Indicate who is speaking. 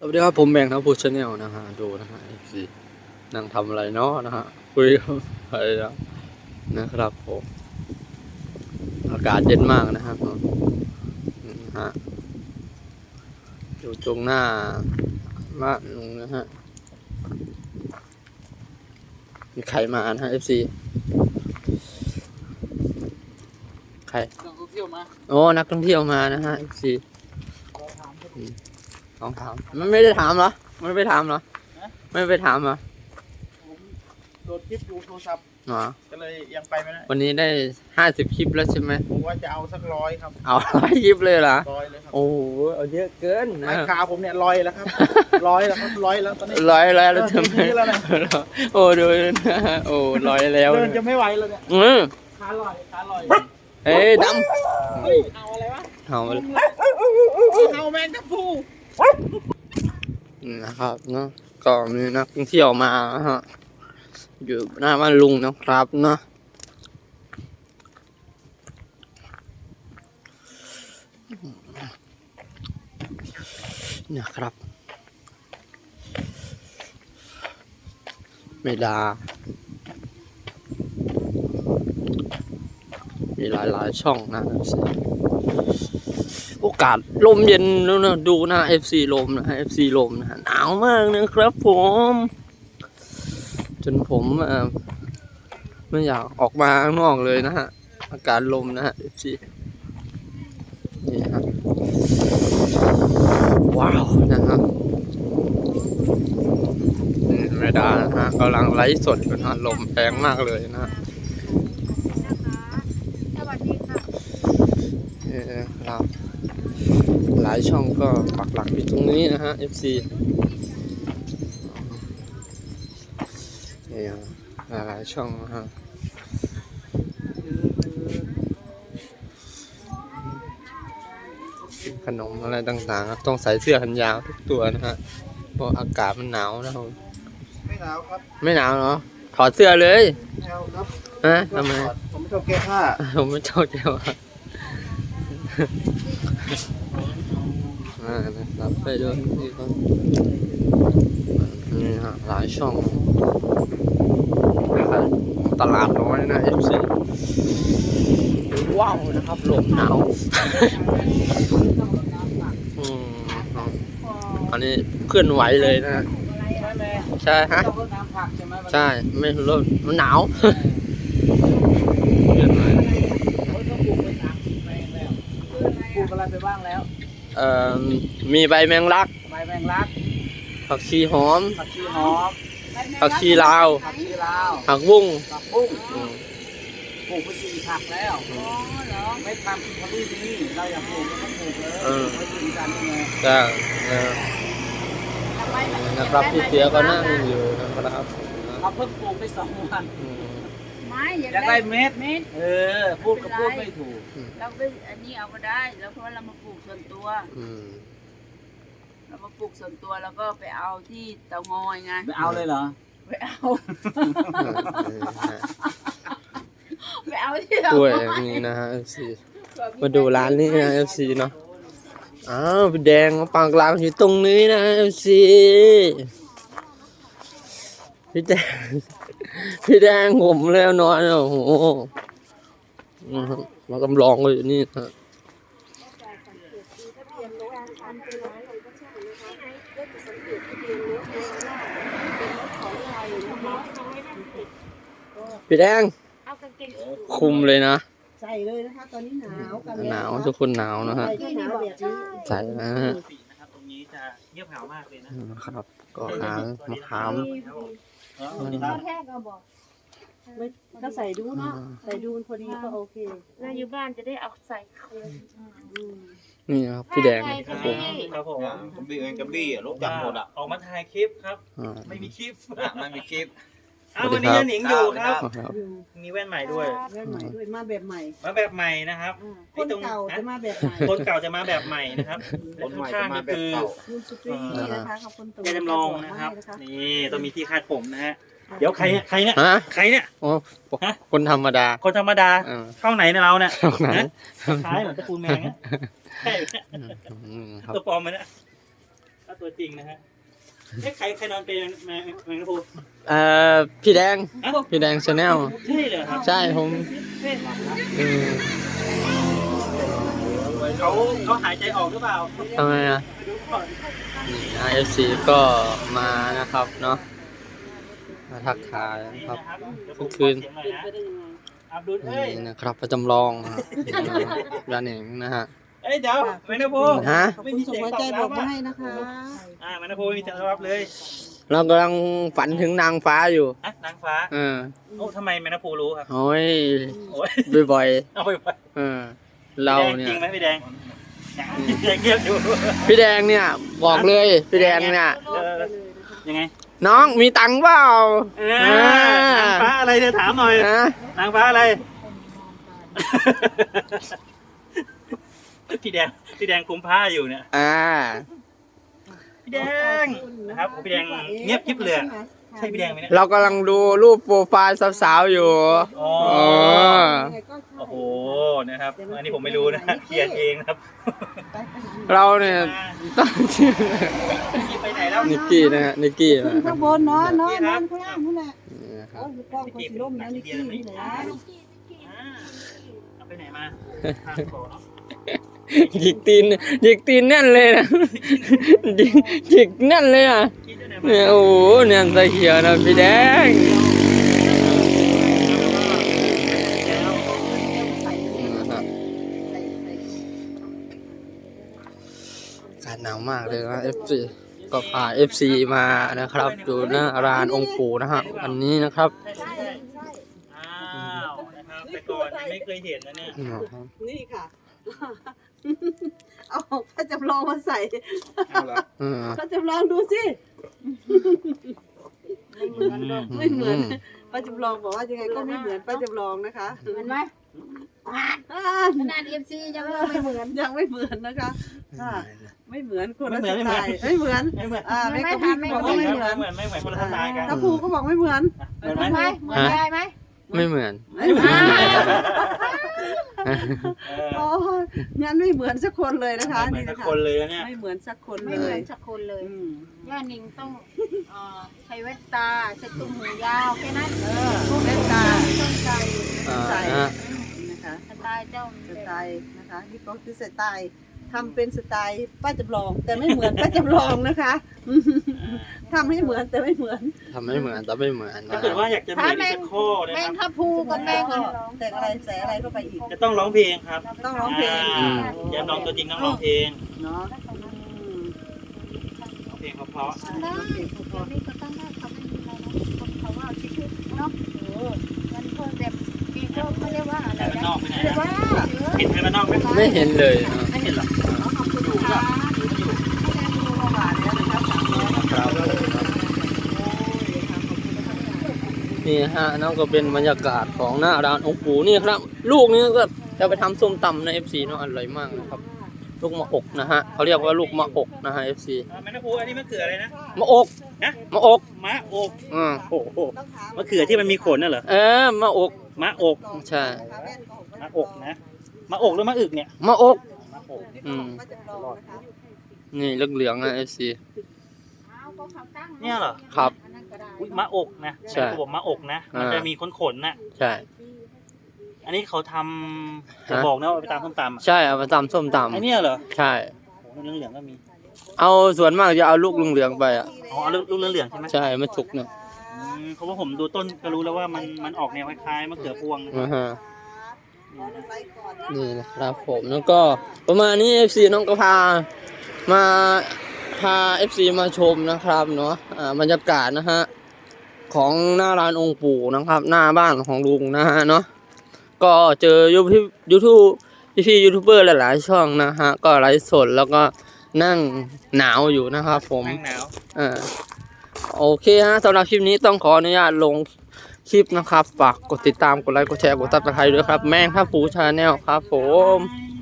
Speaker 1: วัสดีครับผมแบงค์ทัพพูชแนลนะฮะดูนะฮะสินั่งทำอะไรเนาะนะฮะคุยกับใครนะครับผมอากาศเย็นมากนะครับนะฮะอยู่ตรงหน้าบ้านลุงนะฮะมีใครมานะฮะ FC ใครนักท่องเที่ยวมาโอ้นักท่องเที่ยวมานะฮะ FC ลองถามมันไม่ได้ถามเหรอไม่ไปถามเหรอไม่ไปถามเหรอ
Speaker 2: ผมโหลดคลิปดูโทรศัพท์ก็เลยยังไปไม่ได้
Speaker 1: วันนี้ได้50 คลิปแล้วใช่ไหม
Speaker 2: ผมว่าจะเอาสัก100ครับ
Speaker 1: เอา100 คลิปเลยเหรอ
Speaker 2: 100เลยครับ
Speaker 1: โอ้โหเอาเยอะเกิน
Speaker 2: นะขาผมเนี่ย100แล้วครับ100แล้วครับ100แล้วตอนนี้
Speaker 1: 100แล้วใช่ไหมโอ้ดูนะโอ้100แล้ว
Speaker 2: เดินจะไม่ไหวแล้วเนี่ยขาลอย
Speaker 1: เฮ้ยด
Speaker 2: ำเอาอะไรวะ
Speaker 1: เอา
Speaker 2: แมงทับพู
Speaker 1: นะครับเนาะก็มีนักท่องเที่ยวมาฮะอยู่หน้าบ้านลุงนะครับเนาะนะครับเมดามีหลายช่องนะโอกาสลมเย็นแล้วนะดูนะ FC ลมนะ FC ลมนะหนาวมากนะครับผมจนผมไม่อยากออกมาข้างนอกเลยนะฮะอากาศลมนะฮะ FC นี่ฮะว้าวนะครับไม่ได้นะฮะกำลังไลฟ์สดอยู่นะลมแรงมากเลยนะฮะ
Speaker 3: สวัสดีค่ะ
Speaker 1: ครับหลายช่องก็ปักหลักอยู่ตรงนี้นะฮะ FC นี่หลายช่องนะฮะขนมอะไรต่างๆต้องใส่เสื้อแขนยาวทุกตัวนะฮะเพราะอากาศมันหนาวนะครับ
Speaker 2: ไม่หนาวครับ
Speaker 1: ไม่หนาวเนาะถอดเสื้อเลย
Speaker 2: ไม่เอาครับ
Speaker 1: ทำไม
Speaker 2: ผมไม่ชอบแก้ผ้า
Speaker 1: ผมไม่ชอบแก้ผ้านะครับไปดูนี่ครับนี่ฮะหลายช่องตลาดน้อยนะ FC ว้าวนะครับลมหนาวอันนี้เคลื่อนไหวเลยนะใช่ฮะใช่ไม่ลมมันหนาวเคลื่อนไหว
Speaker 2: ปลูกอะไรไปบ้างแล้ว
Speaker 1: มีใบแมงลักผักชีหอมผักชีลาวผักบุ้ง
Speaker 2: ปลูกไป4 ผักแล้วไม่ทำเขาดีเราอยากปลูกก็ปลูกเลยไม่ถึงกันไง
Speaker 1: จ้านะครับพี่เสียก็นั่งอยู่นะครับ
Speaker 2: เขาเพิ่งปลูกไป2 วัน
Speaker 3: ไม่
Speaker 2: อยากได้เม็ดพูดก็พูดไม่ถูก
Speaker 3: เราไปอันนี้เอาก็ได้แล้วเพราะเรามาปลูกส่วนตัวเรามาปลูกส่วนตัวแล้วก็ไปเอาที่เตางอยไง
Speaker 2: ไปเอาเลยเหรอ
Speaker 3: ไปเอาที่เตางอย
Speaker 1: ด้วยอย่างนี้นะฮะ FC มาดูร้านนี้นะ FC เนาะอ้าวพี่แดงมาปากหลังอยู่ตรงนี้นะ FC พี่แดงผมแล้วนอนโอ้โหมากำลองเลยนี่ฮะพี่แดงคุมเลยนะ
Speaker 3: ใส่เลยนะคะตอนนี้
Speaker 1: หนาวทุกคนหนาวนะฮะใส่นะฮะ
Speaker 2: ตรงนี้จะเงียบเหงามากเลย
Speaker 1: นะครับก็หางมะขาม
Speaker 3: แค่ก็บอก
Speaker 4: ก็ใส่ดูเนาะใส่ดูพอดีก็โอเค
Speaker 3: เราอยู่บ้านจะได้เอาใส่เขา
Speaker 1: นี่ครับพี่แดง
Speaker 2: ครับผมกระบี่ลูกจับหมดออกมาถ่ายคลิปครับไม่มีคลิปวันนี้หนิงอยู่ครับมีแว่นใหม่ด้วย
Speaker 4: มาแบบให
Speaker 2: ม่นะครับ
Speaker 4: คนเก่าจะมาแบบใหม่
Speaker 2: คนเก่าจะมาแบบใหม่นะครับคนใหม่จะมาแบบเก่า
Speaker 4: คุณสุตรีนะคะขอบคุณ
Speaker 2: ตัวจำลองนะครับนี่ต้องมีที่คาดผมนะฮะเดี๋ยวใครเนี่ย
Speaker 1: โอ้คนธรรมดา
Speaker 2: ช่องไหนเนี่ยเราเนี่ยคล้ายเหมือนตระกูลแมงตัวปลอมไหมเนี่ยตัวจริงนะฮะใครนอนเป็นแมงกะพรุน
Speaker 1: พี่แดง
Speaker 2: อ่ะ
Speaker 1: พี่แดงชาแนล
Speaker 2: ใช่เหรอครับ
Speaker 1: ใช่ผมอืม
Speaker 2: เขาหายใจออกหรือเปล่า
Speaker 1: ทำไมอ่ะ นี่นะ FC ก็มานะครับเนาะมาทักทายนะครับ ทุกคืน
Speaker 2: อับดุลเอ้ย
Speaker 1: นี่นะครับประจำลองนะครับร้านเองนะฮะ
Speaker 2: เอ้ยเดี๋ยวแมงกะพรุน
Speaker 1: ฮะ
Speaker 2: ไม่มี
Speaker 4: ส่ง
Speaker 2: เสียง
Speaker 4: หัว
Speaker 2: ตอ
Speaker 4: ใจ
Speaker 2: บ
Speaker 4: บอก
Speaker 2: รับ
Speaker 4: มา
Speaker 2: อ่ะ
Speaker 4: ให้นะคะ
Speaker 2: แมงกะพรุนไม่มีเสียงตอบรับเลย
Speaker 1: เรากำลังฝันถึงนางฟ้าอยู่
Speaker 2: อ่ะนางฟ้า
Speaker 1: เออ
Speaker 2: โอ้ทำไมแมงกะพรุนรู้ครับ
Speaker 1: โอ้ย
Speaker 2: โอ้ย
Speaker 1: บ่อย
Speaker 2: เอาไปไป
Speaker 1: ๆเราเนี่ย
Speaker 2: จริงไหมพี่แดงพี่แดงเงียบอยู่
Speaker 1: พี่แดงเนี่ยบอกเลยพี่แดงเนี่ย
Speaker 2: ยังไง
Speaker 1: น้องมีตังค์เปล่า
Speaker 2: นางฟ้าอะไรเนี่ยถามหน่อย
Speaker 1: ฮะ
Speaker 2: นางฟ้าอะไร พี่แดงคุมผ้าอยู่เนี่ย พี่แดงนะครับพี่แดงเงียบกิ๊บเลยใช่พี่แดงไหมเนี่ย
Speaker 1: เรากำลังดูรูปโปรไฟล์สาวๆอยู่
Speaker 2: อ๋อ
Speaker 1: อ๋อ
Speaker 2: โอ้โหนะครับอันนี้ผมไม่รู้นะเขียนเองนะครับ
Speaker 1: เราเนี่ยตั้งชื่อ
Speaker 2: นี่ไปไหนแล้ว
Speaker 1: นิกกี้นะฮะนิกกี้นะ
Speaker 4: ข้างบนนอนข้างล่างนั่นแหละ
Speaker 1: นี่นะครับ
Speaker 4: เอาอยู่กล้องคนสีร่มนะนิกกี้นี่แหละ
Speaker 2: เอาไปไหนมาทางโกเนาะ
Speaker 1: หยิกตีนแน่นเลยนะหยิกแน่นเลยอ่ะ
Speaker 2: คิดด้วยนะ
Speaker 1: เนี่ยโอ้โหเนี่ยใส่เขียวนะพี่แดงนะครับอากาศหนาวมากเลยนะ FC ก็พา FC มานะครับดูหน้าร้านองค์ปู่นะฮะวันนี้นะครับ
Speaker 2: อ้าวนะครับแต่ก่อนไม่เคยเห็นนะเนี่ย
Speaker 4: นี่ค่ะ เอาพระจำลองมาใส่
Speaker 2: เอาละ
Speaker 4: พระจำลองดูสิไม่เหมือนป้าจำลองบอกว่ายังไงก็ไม่เหมือนป้าจำลองนะคะ
Speaker 3: เห็นไหมขนาด FC ยังไม่เหมือน
Speaker 4: ยังไม่เหมือนนะคะค่ะไม่เหมือนคนละสไตล์ไม่เหมือน
Speaker 2: ไม่เหมือน
Speaker 4: แม่กะพี่บอกว่าไม่เหมือน
Speaker 2: ไม่เหมือนคนละสไตล์กัน
Speaker 4: ถ้าภูก็บอกไม่เหมือน
Speaker 2: เหมือนไหม
Speaker 3: เหมือนยายไหม
Speaker 1: ไม่เหมือน
Speaker 4: ไม่เหมือน
Speaker 2: เออ
Speaker 4: โอ้ยงั้นไม่เหมือนสักคนเลยนะคะ
Speaker 2: เหมือ
Speaker 4: นี่
Speaker 2: น
Speaker 4: นะ
Speaker 2: กับ
Speaker 4: คะ
Speaker 2: คนเลยนะเนี่ย
Speaker 4: ไม่เหมือนสักคน
Speaker 3: ไม่
Speaker 4: เล
Speaker 3: เหมือย นสักคนเลย
Speaker 4: อืม
Speaker 3: ย่านิงต้องใช้แว่นตาใช้ตุ้มหูยาวแค่นั้น
Speaker 4: แว่นตา
Speaker 3: ต้องใจ
Speaker 4: ใส่
Speaker 1: อ่า
Speaker 4: นะคะ
Speaker 3: สไตล์เจ้า
Speaker 4: สไตล์นะคะนี่ก็คือสไตล์ทำเป็นสไตล์ป้าจำลอง แต่ไม่เหมือนป้าจำลองนะคะทำให้เหมือนแต่ไม่เหมือน
Speaker 1: ทำไม่เหมือนแต่ไม่เหมือน
Speaker 2: ถ้า
Speaker 1: นะ
Speaker 2: เกิดว่าอยากจะเหมือนอีกสักข้อนะ
Speaker 3: แม
Speaker 2: ค
Speaker 3: ง
Speaker 2: รับ
Speaker 3: ทับพูกับแมง
Speaker 4: ก็แต่งอะไรใส่อะไรเข้าไปอีก
Speaker 2: จะต้องร้องเพลงครับ
Speaker 4: ต้องร้องเพลง
Speaker 2: แย้มน้องตัวจริงต้องร้องเพลง
Speaker 4: เนาะ
Speaker 2: ร้องเพลงเพราะ
Speaker 3: ได้เดี๋ยวนี้ก็ต้องได้เขาไม่มีอะไรนะคนเขาว่าชิคๆเนาะมันเพิ่มแบบมีเขาเรียกว่าอะไร
Speaker 2: แต่มันน
Speaker 3: นะ
Speaker 2: อกไปไหน
Speaker 3: เรียก
Speaker 2: นะ
Speaker 3: ว่า
Speaker 2: เห็นไหมมันนอกไหม
Speaker 1: ไม่เห็นเลยนะ
Speaker 2: ไม่เห็นหรอก
Speaker 3: ขอบคุณค่ะ
Speaker 1: นี่ฮะนั่นก็เป็นบรรยากาศของหน้าร้านองค์ปู่นี่ครับ ลูกนี้ก็จะไปทำส้มตำใน FC เนาะอร่อยมากนะครับ ลูกมะอกนะฮะเขาเรียกว่าลูกมะอกนะฮะ FC
Speaker 2: แม่นพูอันนี้มะเขืออะไรนะ
Speaker 1: มะอก
Speaker 2: นะ
Speaker 1: มะอก
Speaker 2: มะอก
Speaker 1: โอ้โห
Speaker 2: มะเขือที่มันมีขนน่ะเหรอ
Speaker 1: มะอก
Speaker 2: มะอก
Speaker 1: ใช่
Speaker 2: มะอกนะมะอกหรือมะอึกเนี่ย
Speaker 1: มะอก
Speaker 2: มะอก
Speaker 1: นี่เหลืองๆนะ FC
Speaker 2: เนี่ยเหรอ
Speaker 1: ครับ
Speaker 2: อุ๊ยมะอกนะ
Speaker 1: ใช่
Speaker 2: เขาบอกมะอกนะมันจะมีขนน่ะ
Speaker 1: ใช่
Speaker 2: อันนี้เขาทำจะบอกนะว่าไปตามส้มตำอ่ะ
Speaker 1: ใช่เอามาตำส้มต
Speaker 2: ไอเนี่ยเหรอ
Speaker 1: ำใช่
Speaker 2: โอ้โหเหลืองๆก็มี
Speaker 1: เอาส่วนมากจะเอาลูกเหลืองๆไปอ่ะ
Speaker 2: อ๋อเอาลูกเหลืองๆใช่ไหม
Speaker 1: ใช่ไม่สุกเนี่ย
Speaker 2: เพราะว่าผมดูต้นก็รู้แล้วว่ามันออกแนวคล้ายๆมะเขือพวงนะ
Speaker 1: นะฮะนี่นะครับผมแล้วก็ประมาณนี้ FC น้องก็พา FC มาชมนะครับเนาะบรรยากาศนะฮะของหน้าร้านองค์ปู่นะครับ หน้าบ้านของลุงนะฮะเนาะก็เจอพี่ยูทูบเบอร์หลายๆช่องนะฮะก็ไลฟ์สดแล้วก็นั่งหนาวอยู่นะครับผม
Speaker 2: นั่งหนาว
Speaker 1: โอเคฮะสำหรับคลิปนี้ต้องขออนุญาตลงคลิปนะครับฝากกดติดตามกดไลค์กดแชร์กดซับสไครต์ด้วยครับแม่งครับปูชาแนลครับผม
Speaker 2: บ